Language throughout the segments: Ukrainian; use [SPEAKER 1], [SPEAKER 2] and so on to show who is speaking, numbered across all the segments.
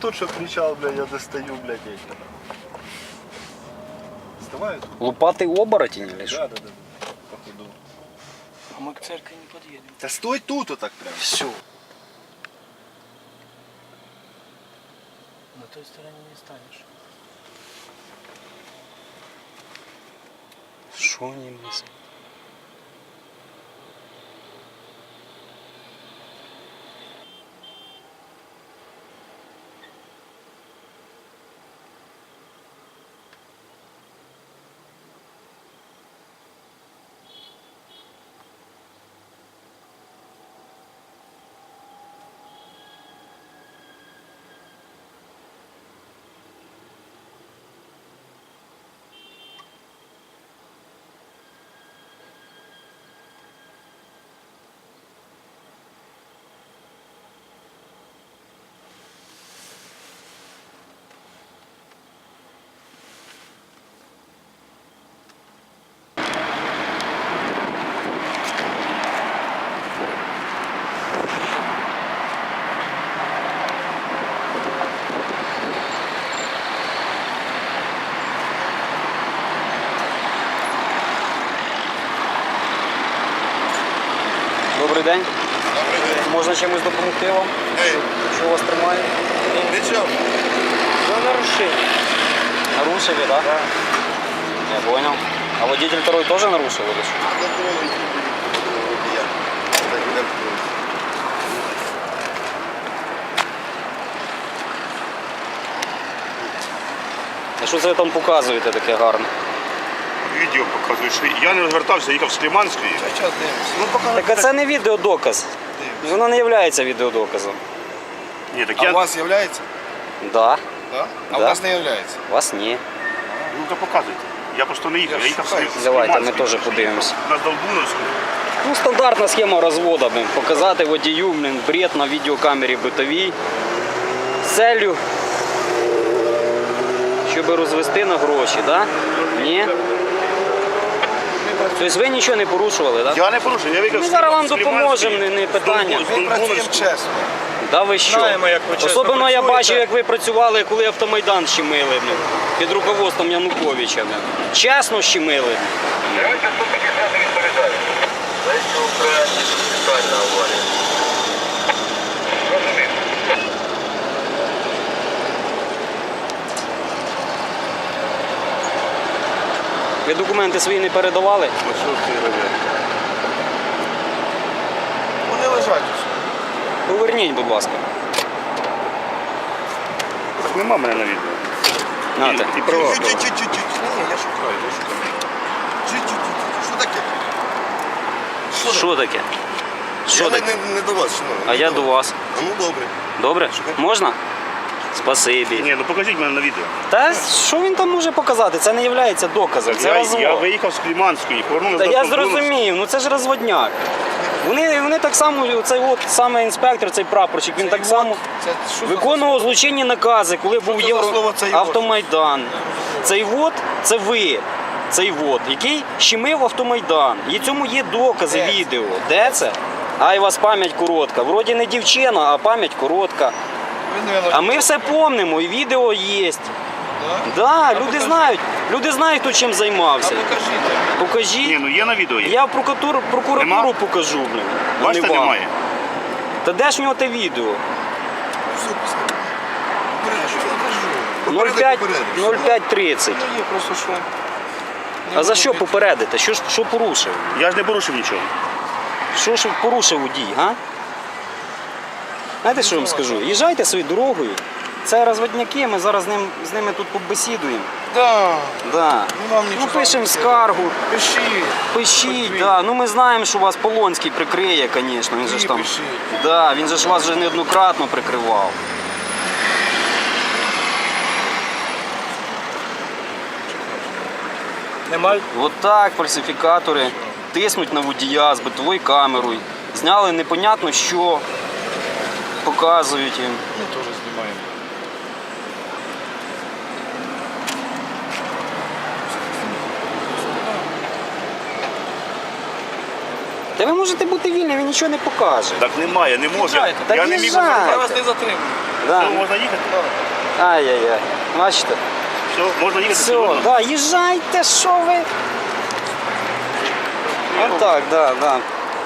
[SPEAKER 1] тут, что кричал, блядь, я достаю, блядь, эти. Вставай.
[SPEAKER 2] Лупатый оборотень или что?
[SPEAKER 1] Да. Походу.
[SPEAKER 3] А мы к церкви не подъедем.
[SPEAKER 1] Да стой тут вот так прям.
[SPEAKER 2] Все.
[SPEAKER 3] На той стороне не станешь.
[SPEAKER 2] Что они мыслят? Добрий день.
[SPEAKER 1] Добрый день.
[SPEAKER 2] Можна чимось допомогти вам?
[SPEAKER 1] Эй,
[SPEAKER 2] Що вас тримає?
[SPEAKER 1] ничего.
[SPEAKER 3] Да нарушение.
[SPEAKER 2] Нарушили, да?
[SPEAKER 1] Да.
[SPEAKER 2] Я понял. А водитель второй тоже нарушил или что? А що це ви там показуєте таке гарне?
[SPEAKER 4] Відео показує, що я не розвертався, їхав з Кліманської.
[SPEAKER 1] Сейчас дивимося.
[SPEAKER 4] Ну, поки...
[SPEAKER 2] Так а це не відеодоказ. Воно не є відеодоказом.
[SPEAKER 4] Ні, так
[SPEAKER 1] А
[SPEAKER 4] я...
[SPEAKER 1] у вас является?
[SPEAKER 2] Да.
[SPEAKER 1] Да? А
[SPEAKER 2] Да.
[SPEAKER 1] у вас не является?
[SPEAKER 2] У вас ні.
[SPEAKER 4] Ну, то показуйте. Я просто не їхав, я їхав з
[SPEAKER 2] Давайте, ми
[SPEAKER 4] Кліманської.
[SPEAKER 2] теж подивимося.
[SPEAKER 4] На Долбуновську.
[SPEAKER 2] Ну, стандартна схема розводу, блин. Показати водію, блин, бред на відеокамері битовій. З целью, щоб розвести на гроші, да? Ні? Тобто ви нічого не порушували, так? Да?
[SPEAKER 4] Я не порушив, я виїхав
[SPEAKER 2] Ми
[SPEAKER 4] з
[SPEAKER 2] зараз вам
[SPEAKER 4] з Кліманської.
[SPEAKER 2] допоможемо, не питання.
[SPEAKER 4] З
[SPEAKER 1] Ми працюємо
[SPEAKER 4] Долбуновської.
[SPEAKER 1] чесно.
[SPEAKER 2] Да ви що?
[SPEAKER 1] Знаємо, як ви чесно
[SPEAKER 2] Особливо я
[SPEAKER 1] працюєте.
[SPEAKER 2] бачив, як ви працювали, коли Автомайдан щемили, блин, під руководством Януковича. Блин. Чесно щемили.
[SPEAKER 5] Давайте все-таки взяти відповідальність. Знаєте, Україні спеціальна аварія. Розумію.
[SPEAKER 2] Ви документи свої не передавали?
[SPEAKER 4] Ну, що ти робиш?
[SPEAKER 1] Вони лежать усе.
[SPEAKER 2] Поверніть, будь ласка.
[SPEAKER 4] Так нема мене на відео.
[SPEAKER 2] Нате.
[SPEAKER 4] І права.
[SPEAKER 1] Чуть-чуть. Ні, я шукаю. Чуть-чуть. Що таке?
[SPEAKER 2] Що таке? Що
[SPEAKER 1] Я
[SPEAKER 2] таке?
[SPEAKER 1] не до вас, шановний.
[SPEAKER 2] А я до вас.
[SPEAKER 1] А ну добре.
[SPEAKER 2] Добре? Можна? Спасибі.
[SPEAKER 4] Ні, ну покажіть мене на відео.
[SPEAKER 2] Та що він там може показати? Це не є доказом, це
[SPEAKER 4] Я
[SPEAKER 2] розвод.
[SPEAKER 4] виїхав з Кліманської, повернув
[SPEAKER 2] Та
[SPEAKER 4] на
[SPEAKER 2] я
[SPEAKER 4] Долбуновську.
[SPEAKER 2] зрозумів, ну це ж розводняк. Вони так само, цей от саме інспектор, цей прапорщик, він так само
[SPEAKER 1] Це що за
[SPEAKER 2] виконував злочинні накази, коли був
[SPEAKER 1] це за слово «цей вот»?
[SPEAKER 2] Автомайдан. Цей вот це ви. Цей вот, який щемив Автомайдан. І цьому є докази
[SPEAKER 1] Де це?
[SPEAKER 2] відео. Де це? Ай, у вас пам'ять коротка. Вроді не дівчина, а пам'ять коротка.
[SPEAKER 1] Ви, наверно,
[SPEAKER 2] А ми все помнимо, і відео є.
[SPEAKER 1] Да?
[SPEAKER 2] Да, люди
[SPEAKER 1] покажіть.
[SPEAKER 2] знають. Люди знають, хто чим
[SPEAKER 1] А
[SPEAKER 2] займався.
[SPEAKER 1] покажіть.
[SPEAKER 2] Покажіть.
[SPEAKER 4] Ні, ну є на відео є.
[SPEAKER 2] Я в прокуратуру
[SPEAKER 4] Нема?
[SPEAKER 2] покажу, блін. а не
[SPEAKER 4] Бачите,
[SPEAKER 2] вам.
[SPEAKER 4] немає.
[SPEAKER 2] Та де ж в нього те відео?
[SPEAKER 1] Все, пускай. Попередок,
[SPEAKER 2] 05
[SPEAKER 1] попередок.
[SPEAKER 2] 05:30.
[SPEAKER 1] Ну, є просто що.
[SPEAKER 2] А за що попередити? Що порушив?
[SPEAKER 4] Я ж не порушив нічого.
[SPEAKER 2] Що ж порушив водій, га? Знаєте, що я вам скажу? Їжджайте своєю дорогою. Це розводняки, ми зараз з ними тут побесідуємо.
[SPEAKER 1] Да.
[SPEAKER 2] Да.
[SPEAKER 1] Ну, нам нічого
[SPEAKER 2] Пишемо
[SPEAKER 1] не
[SPEAKER 2] скаргу,
[SPEAKER 1] Пишіть.
[SPEAKER 2] пишіть. Да. Ну ми знаємо, що вас Полонський прикриє, звісно. Він же ж там.
[SPEAKER 1] Пишіть.
[SPEAKER 2] Да, він же ж вас вже неоднократно прикривав.
[SPEAKER 3] Немає?
[SPEAKER 2] От так фальсифікатори тиснуть на водія з битовою камерою. Зняли непонятно що, показують їм.
[SPEAKER 1] Ми теж знімаємо.
[SPEAKER 2] Та ви можете бути вільні, він нічого не покаже.
[SPEAKER 4] Так немає, не може.
[SPEAKER 1] Їжджайте.
[SPEAKER 2] Так
[SPEAKER 4] Я не міг
[SPEAKER 2] їжджайте.
[SPEAKER 1] Я вас не затримую.
[SPEAKER 2] Да.
[SPEAKER 4] Все, можна їхати?
[SPEAKER 2] Ай-яй-яй. Бачите?
[SPEAKER 4] Все, можна їхати?
[SPEAKER 2] Все,
[SPEAKER 4] сьогодні?
[SPEAKER 2] да, їжджайте, що ви? Отак, да.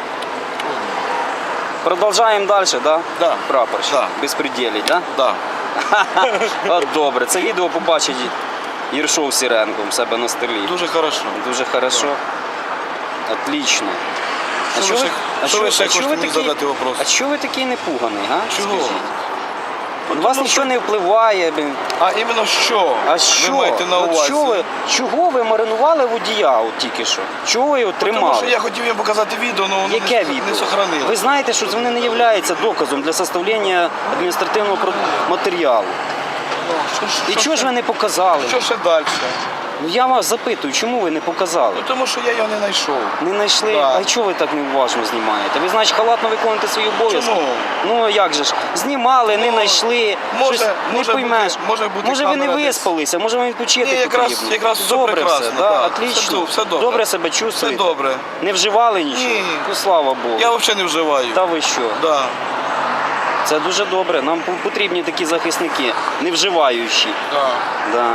[SPEAKER 2] Продовжаємо далі, да?
[SPEAKER 1] Да.
[SPEAKER 2] Прапорщик.
[SPEAKER 1] Да.
[SPEAKER 2] Безпреділі, да?
[SPEAKER 1] Да.
[SPEAKER 2] От добре. Це відео побачить Єршов Сіренко у себе на столі.
[SPEAKER 1] Дуже хорошо.
[SPEAKER 2] Дуже хорошо. Отлично.
[SPEAKER 1] Що ви ще хочете мені задати вопрос?
[SPEAKER 2] А чого ви такий непуганий, га?
[SPEAKER 1] Чого?
[SPEAKER 2] Скажіть. У вас нічого не впливає.
[SPEAKER 1] А іменно що?
[SPEAKER 2] А що?
[SPEAKER 1] Ви маєте на
[SPEAKER 2] От
[SPEAKER 1] увазі?
[SPEAKER 2] чого ви маринували водія от тільки що? Чого ви його
[SPEAKER 1] Тому
[SPEAKER 2] тримали?
[SPEAKER 1] що я хотів їм показати відео, але воно
[SPEAKER 2] Яке
[SPEAKER 1] не
[SPEAKER 2] відео?
[SPEAKER 1] сохранило.
[SPEAKER 2] Ви знаєте, що вони не являються доказом для составлення адміністративного матеріалу. І чого ж ви не показали?
[SPEAKER 1] Що ще далі?
[SPEAKER 2] Ну я вас запитую, чому ви не показали?
[SPEAKER 1] Тому що я його не знайшов.
[SPEAKER 2] Не знайшли?
[SPEAKER 1] Да.
[SPEAKER 2] А чого ви так неуважно знімаєте? Ви, значить, халатно виконуєте свої обов'язки?
[SPEAKER 1] Чому?
[SPEAKER 2] Ну а як же ж? Знімали, не знайшли.
[SPEAKER 1] може-
[SPEAKER 2] щось
[SPEAKER 1] може
[SPEAKER 2] не поймеш.
[SPEAKER 1] бути- може бути
[SPEAKER 2] Може ви не
[SPEAKER 1] камера десь.
[SPEAKER 2] виспалися, може вам відпочити
[SPEAKER 1] Ні, якраз-
[SPEAKER 2] потрібно.
[SPEAKER 1] якраз все
[SPEAKER 2] добре
[SPEAKER 1] прекрасно,
[SPEAKER 2] все, да?
[SPEAKER 1] да.
[SPEAKER 2] Отлично.
[SPEAKER 1] Все добре.
[SPEAKER 2] Добре себе
[SPEAKER 1] Все
[SPEAKER 2] чувствуєте?
[SPEAKER 1] добре.
[SPEAKER 2] Не вживали нічого?
[SPEAKER 1] Ні.
[SPEAKER 2] Ну, слава Богу.
[SPEAKER 1] Я взагалі не вживаю.
[SPEAKER 2] Та ви що?
[SPEAKER 1] Да.
[SPEAKER 2] Це дуже добре. Нам потрібні такі захисники, не вживаючі.
[SPEAKER 1] Да.
[SPEAKER 2] Да.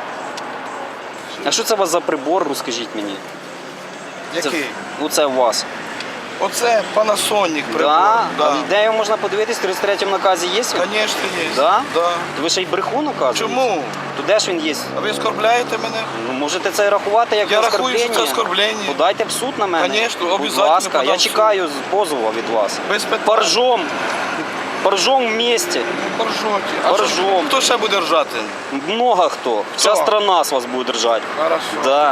[SPEAKER 2] А що це у вас за прибор, розкажіть мені?
[SPEAKER 1] Який?
[SPEAKER 2] Оце у вас.
[SPEAKER 1] Оце Panasonic прибор.
[SPEAKER 2] Да?
[SPEAKER 1] Да.
[SPEAKER 2] А де його можна подивитись? В 33-му наказі є? він?
[SPEAKER 1] Звісно, є.
[SPEAKER 2] Да?
[SPEAKER 1] Да.
[SPEAKER 2] То ви ще й брехун указуєте?
[SPEAKER 1] Чому?
[SPEAKER 2] То де ж він є?
[SPEAKER 1] А ви оскорбляєте мене?
[SPEAKER 2] Ну, можете це рахувати як
[SPEAKER 1] Я
[SPEAKER 2] оскорблення?
[SPEAKER 1] рахую, що це оскорблення.
[SPEAKER 2] Подайте в суд на мене.
[SPEAKER 1] Конечно,
[SPEAKER 2] Будь
[SPEAKER 1] обов'язково
[SPEAKER 2] ласка,
[SPEAKER 1] подам
[SPEAKER 2] я
[SPEAKER 1] в суд.
[SPEAKER 2] чекаю позову від вас.
[SPEAKER 1] Без питань.
[SPEAKER 2] Поржом. Поржом вместе.
[SPEAKER 1] Поржоті. А
[SPEAKER 2] Поржом.
[SPEAKER 1] хто ще буде ржати?
[SPEAKER 2] Много хто. Вся
[SPEAKER 1] Хто?
[SPEAKER 2] страна з вас буде держати.
[SPEAKER 1] Хорошо.
[SPEAKER 2] Да.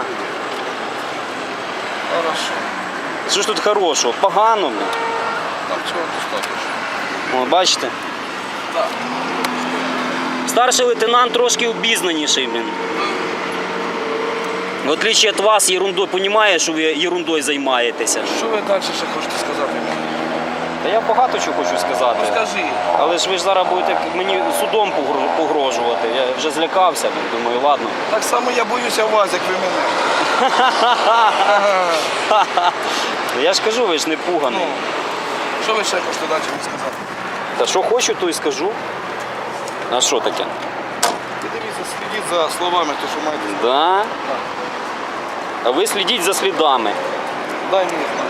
[SPEAKER 1] Хорошо.
[SPEAKER 2] Що ж тут хорошого? Погано.
[SPEAKER 1] Нам цього достатньо.
[SPEAKER 2] О, бачите?
[SPEAKER 1] Так.
[SPEAKER 2] Старший лейтенант трошки обізнаніший, блін. В отличие від вас, ерундою, розуміє, що ви ерундою займаєтеся.
[SPEAKER 1] Що ви далі ще хочете сказати мені?
[SPEAKER 2] Та я багато чого хочу сказати.
[SPEAKER 1] Скажи.
[SPEAKER 2] Але ж ви ж зараз будете мені судом погрожувати. Я вже злякався, думаю, ладно.
[SPEAKER 1] Так само я боюся вас, як ви мене.
[SPEAKER 2] Я ж кажу, ви ж не пуганий.
[SPEAKER 1] Ну, що ви ще хочете далі мені сказати?
[SPEAKER 2] Та що хочу, то й скажу. А що таке?
[SPEAKER 1] Ви дивіться, слідіть за словами, то що маєте.
[SPEAKER 2] Да? А ви слідіть за слідами.
[SPEAKER 1] Дай мені знати.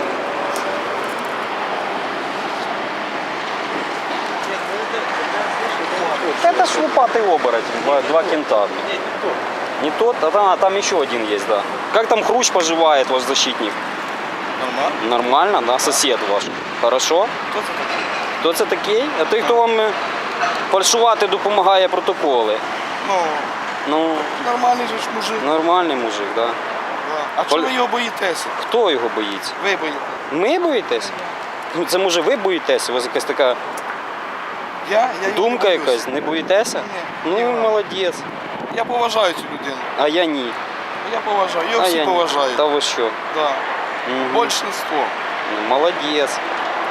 [SPEAKER 2] Это ж лупатый оборотень, два кента. Не тот, там еще один есть, да. Как там Хрущ поживает, ваш защитник?
[SPEAKER 1] Нормально?
[SPEAKER 2] Нормально, да? Сосед ваш. Хорошо?
[SPEAKER 1] Хто це такий?
[SPEAKER 2] Хто це такий? А той, хто вам фальшувати допомагає протоколи.
[SPEAKER 1] Ну,
[SPEAKER 2] Ну,
[SPEAKER 1] нормальний же ж мужик.
[SPEAKER 2] нормальний мужик, да.
[SPEAKER 1] Да. А чого ви його боїтеся?
[SPEAKER 2] Хто його боїться?
[SPEAKER 1] Ви боїтеся.
[SPEAKER 2] Ми боїтесь? Ну, це може ви боїтеся? У вас якась така
[SPEAKER 1] Я його
[SPEAKER 2] думка
[SPEAKER 1] боюсь.
[SPEAKER 2] якась, не боїтеся?
[SPEAKER 1] Ні,
[SPEAKER 2] Ну,
[SPEAKER 1] ні.
[SPEAKER 2] молодець.
[SPEAKER 1] Я поважаю цю людину.
[SPEAKER 2] А я ні.
[SPEAKER 1] Я поважаю. Його
[SPEAKER 2] А
[SPEAKER 1] всі
[SPEAKER 2] я ні.
[SPEAKER 1] поважають.
[SPEAKER 2] Та ви що?
[SPEAKER 1] Да.
[SPEAKER 2] Мгм.
[SPEAKER 1] Большинство.
[SPEAKER 2] Ну, молодець.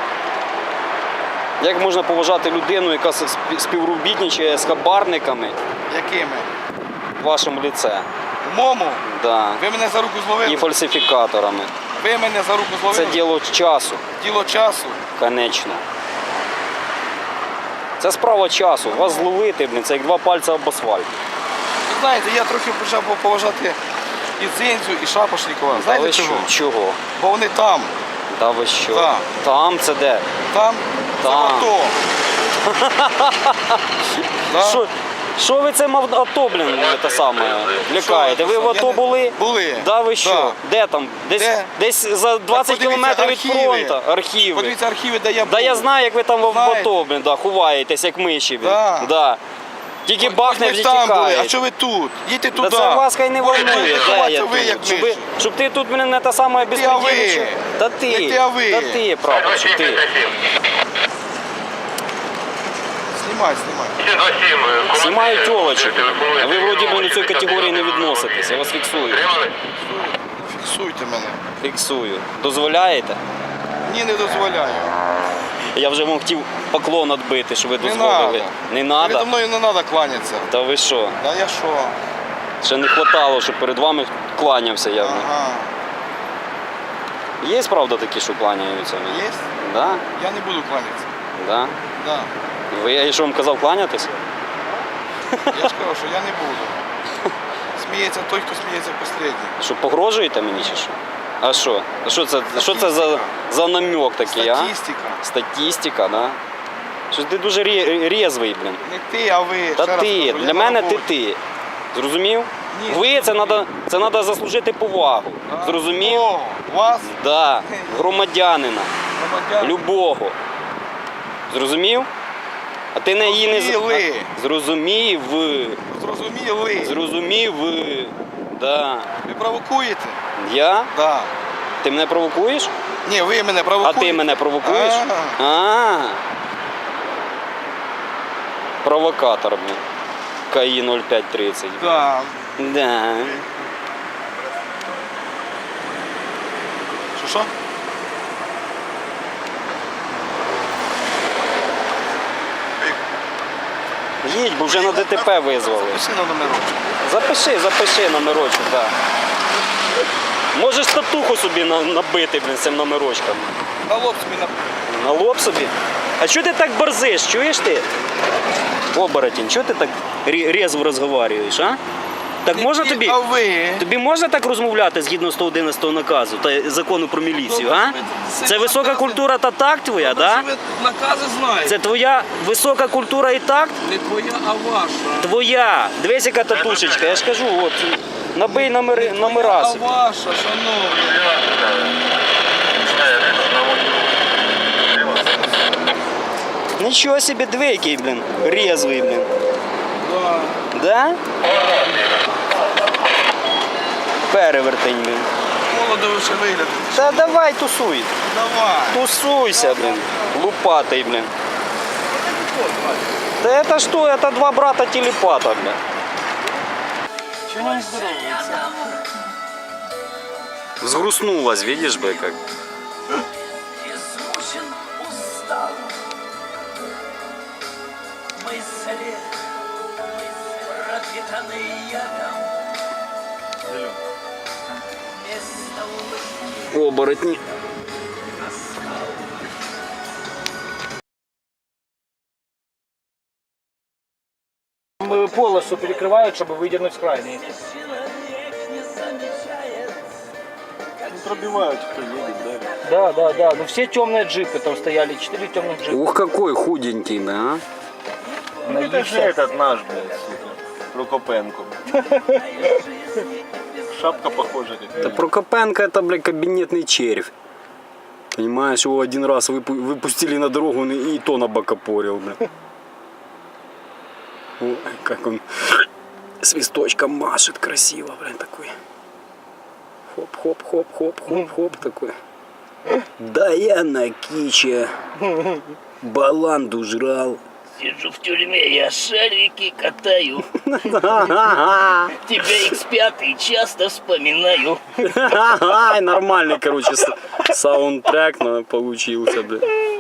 [SPEAKER 2] Як можна поважати людину, яка співробітничає з хабарниками
[SPEAKER 1] Якими?
[SPEAKER 2] в вашому ліце?
[SPEAKER 1] В моєму?
[SPEAKER 2] Да.
[SPEAKER 1] Ви мене за руку зловили?
[SPEAKER 2] І фальсифікаторами.
[SPEAKER 1] Ви мене за руку зловили?
[SPEAKER 2] Це діло часу,
[SPEAKER 1] Діло часу.
[SPEAKER 2] конечно. Це справа часу. Вас зловити, блін, це як два пальця об асфальт.
[SPEAKER 1] Ви знаєте, я трохи почав поважати і Дзинцю, і Шапошнікова.
[SPEAKER 2] Та
[SPEAKER 1] Знаєте
[SPEAKER 2] ви що?
[SPEAKER 1] чого?
[SPEAKER 2] Чого?
[SPEAKER 1] Бо вони там.
[SPEAKER 2] Та ви що?
[SPEAKER 1] Так.
[SPEAKER 2] Там це де?
[SPEAKER 1] Там. Це
[SPEAKER 2] Там.
[SPEAKER 1] АТО. Да.
[SPEAKER 2] Що ви цим АТО, блін, те саме, лякаєте? Ви в АТО були?
[SPEAKER 1] Були.
[SPEAKER 2] Да ви що?
[SPEAKER 1] Да.
[SPEAKER 2] Де там?
[SPEAKER 1] Де?
[SPEAKER 2] Десь за 20
[SPEAKER 1] подивіться
[SPEAKER 2] кілометрів від
[SPEAKER 1] архіви.
[SPEAKER 2] фронту. Архіви.
[SPEAKER 1] Подивіться архіви, де я був.
[SPEAKER 2] Да я знаю, як ви там в
[SPEAKER 1] Знаєте.
[SPEAKER 2] АТО, блін, да, ховаєтесь, як миші, блін.
[SPEAKER 1] Да.
[SPEAKER 2] Да. Тільки бахне
[SPEAKER 1] Ми
[SPEAKER 2] вже
[SPEAKER 1] там були. А
[SPEAKER 2] тікаєте.
[SPEAKER 1] що ви тут? Їдьте
[SPEAKER 2] Та
[SPEAKER 1] туди.
[SPEAKER 2] це вас хай не волнує, де я
[SPEAKER 1] ви, як
[SPEAKER 2] тут. Щоб ти тут мене не та сама
[SPEAKER 1] Ти, а ви.
[SPEAKER 2] безпредельничав. Та ти,
[SPEAKER 1] Не ти, а ви.
[SPEAKER 2] та ти, прапорщик, ти.
[SPEAKER 5] Знімай. 27.
[SPEAKER 2] Знімаю тілочок. А ви вроді би до цієї категорії не відноситесь, я вас фіксую.
[SPEAKER 5] Тримали?
[SPEAKER 1] Фіксуйте мене.
[SPEAKER 2] Фіксую. Дозволяєте?
[SPEAKER 1] Ні, не дозволяю.
[SPEAKER 2] Я вже вам хотів поклон відбити, що ви
[SPEAKER 1] Не
[SPEAKER 2] дозволили.
[SPEAKER 1] надо.
[SPEAKER 2] Не
[SPEAKER 1] Передо
[SPEAKER 2] треба?
[SPEAKER 1] мною не треба кланятися.
[SPEAKER 2] Та ви що?
[SPEAKER 1] Да я що?
[SPEAKER 2] Ще не вистачало, щоб перед вами кланявся я.
[SPEAKER 1] Ага.
[SPEAKER 2] Є правда такі, що кланяються?
[SPEAKER 1] Є?
[SPEAKER 2] Да?
[SPEAKER 1] Я не буду кланятися.
[SPEAKER 2] Да?
[SPEAKER 1] Да.
[SPEAKER 2] Я що вам казав кланятись?
[SPEAKER 1] Я ж кажу, що я не буду. Сміється той, хто сміється останній.
[SPEAKER 2] Що погрожуєте мені чи що? А що? А що це за намек такий, а?
[SPEAKER 1] Статистика.
[SPEAKER 2] Статистика, да? Що ти дуже рєзвий, блін.
[SPEAKER 1] Не ти, а ви.
[SPEAKER 2] Та
[SPEAKER 1] Ще раз
[SPEAKER 2] ти,
[SPEAKER 1] кажу, я
[SPEAKER 2] для
[SPEAKER 1] на
[SPEAKER 2] мене
[SPEAKER 1] роботі.
[SPEAKER 2] ти. Зрозумів?
[SPEAKER 1] Ні,
[SPEAKER 2] Ви це треба заслужити повагу.
[SPEAKER 1] А,
[SPEAKER 2] Зрозумів?
[SPEAKER 1] о, Вас,
[SPEAKER 2] Да. Громадянина.
[SPEAKER 1] громадян,
[SPEAKER 2] Любого. Зрозумів? А ти не її не
[SPEAKER 1] Зрозуміли.
[SPEAKER 2] Зрозумів.
[SPEAKER 1] зрозуміли.
[SPEAKER 2] Зрозумів. Да.
[SPEAKER 1] Ви провокуєте?
[SPEAKER 2] Я?
[SPEAKER 1] Да.
[SPEAKER 2] Ти мене провокуєш?
[SPEAKER 1] Ні, ви мене
[SPEAKER 2] А
[SPEAKER 1] провокуєте.
[SPEAKER 2] ти мене провокуєш?
[SPEAKER 1] А.
[SPEAKER 2] А. Провокатор, блін. КАІ 0530.
[SPEAKER 1] Да.
[SPEAKER 2] Да.
[SPEAKER 1] Що?
[SPEAKER 2] Їдь, бо вже на ДТП визвали.
[SPEAKER 1] Пиши на номерочок.
[SPEAKER 2] Запиши номерочок, так. Да. Можеш татуху собі набити, блін, цим номерочком.
[SPEAKER 1] На лоб собі
[SPEAKER 2] На лоб собі. А чого ти так борзиш, чуєш ти? Оборотень, чого ти так резво розговорюєш, а? Так можна
[SPEAKER 1] Ні,
[SPEAKER 2] тобі?
[SPEAKER 1] А ви?
[SPEAKER 2] Тобі можна так розмовляти згідно 111 наказу та закону про міліцію, а? Це висока культура та такт твоя, так?
[SPEAKER 1] Ви накази знаєте.
[SPEAKER 2] Це твоя висока культура і такт?
[SPEAKER 1] Не твоя, а ваша.
[SPEAKER 2] Твоя. Дивись, яка татушечка. Я ж кажу, от, набий номера
[SPEAKER 1] А
[SPEAKER 2] собі.
[SPEAKER 1] ваша, шановні.
[SPEAKER 2] Нічого собі, диви, який, блін, резвий, блін.
[SPEAKER 1] Да.
[SPEAKER 2] Да? Перевертень, блін.
[SPEAKER 1] Молодо ви ще виглядите.
[SPEAKER 2] Та давай тусуй.
[SPEAKER 1] Давай.
[SPEAKER 2] Тусуйся, блін. Лупатий, блін. Да это что? Это два брата телепата, блин.
[SPEAKER 3] Чего не здоровается?
[SPEAKER 2] Сгрустнулась, видишь бы как.
[SPEAKER 6] Измучен, устал, мысли пропитаны ядом. Место улыбки
[SPEAKER 2] Оборотни.
[SPEAKER 3] Полосу перекрывают, чтобы выдернуть крайний.
[SPEAKER 6] человек не замечает.
[SPEAKER 4] Пробивають, хто їде, да.
[SPEAKER 3] Да. Ну все темные джипы там стояли, 4 темных джипа.
[SPEAKER 2] Ух, какой худенький, да?
[SPEAKER 4] Это же этот наш, блядь, сука, Прокопенко. Шапка похожа как.
[SPEAKER 2] Да Прокопенко это, блядь, кабинетный червь. Понимаешь, его один раз выпустили на дорогу, он и то набокопорил, блядь. Ой, как он свисточком машет красиво, блядь, такой. Хоп-хоп-хоп-хоп-хоп-хоп такой. Да я на киче баланду жрал.
[SPEAKER 6] Сижу в тюрьме, я шарики катаю. Тебя X5 часто вспоминаю.
[SPEAKER 2] Нормальный, короче, саундтрек получился, блядь.